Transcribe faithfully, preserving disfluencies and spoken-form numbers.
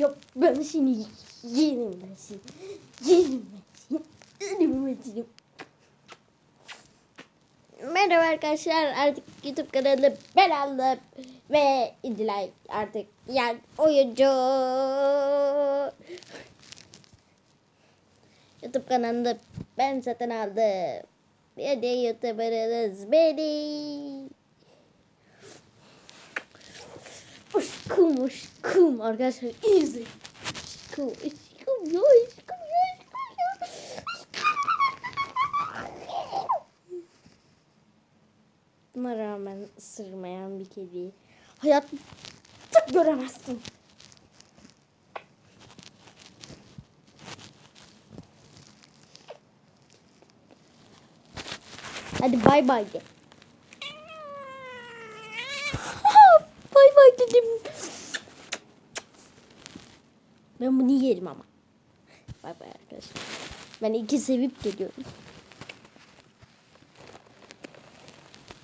Yok ben seni yerim ben seni. Yerim ben seni. Yerim ben seni. Merhaba arkadaşlar, artık YouTube kanalı ben aldım ve İdilay artık yani oyuncu. YouTube kanalını ben satın aldım. Bir de YouTuber'ınız beni. Aşkım aşkım arkadaşlar izleyin. Aşkım aşkım ya aşkım ya aşkım ya. Buna rağmen ısırmayan bir kediyi hayatta göremezsin. Hadi bay bay de. Bay bay dedim. Ben bunu yerim ama. Bay bay arkadaşlar. Ben iki sevip geliyorum.